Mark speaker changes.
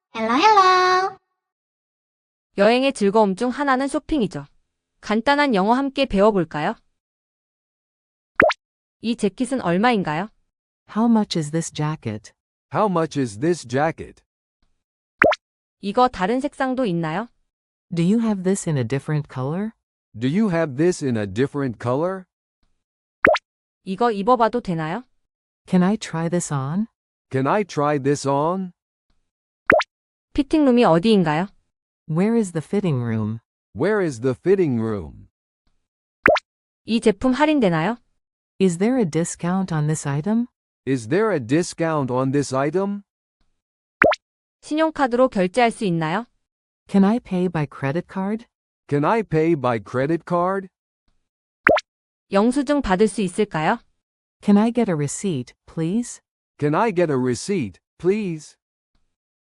Speaker 1: 헬로 헬로.
Speaker 2: 여행의 즐거움 중 하나는 쇼핑이죠. 간단한 영어 함께 배워볼까요? 이 재킷은 얼마인가요?
Speaker 3: How much is this jacket?
Speaker 4: How much is this jacket?
Speaker 2: 이거 다른 색상도 있나요?
Speaker 3: Do you have this in a different color?
Speaker 4: Do you have this in a different color?
Speaker 2: 이거 입어봐도 되나요?
Speaker 3: Can I try this on?
Speaker 4: Can I try this on?
Speaker 2: 피팅룸이 어디인가요?
Speaker 3: Where is the fitting room?
Speaker 4: Where is the fitting room?
Speaker 2: 이 제품 할인되나요?
Speaker 3: Is there a discount on this item?
Speaker 4: Is there a discount on this item?
Speaker 2: 신용카드로 결제할 수 있나요?
Speaker 3: Can I pay by credit card?
Speaker 4: Can I pay by credit card?
Speaker 2: 영수증 받을 수 있을까요?
Speaker 3: Can I get a receipt, please?
Speaker 4: Can I get a receipt, please?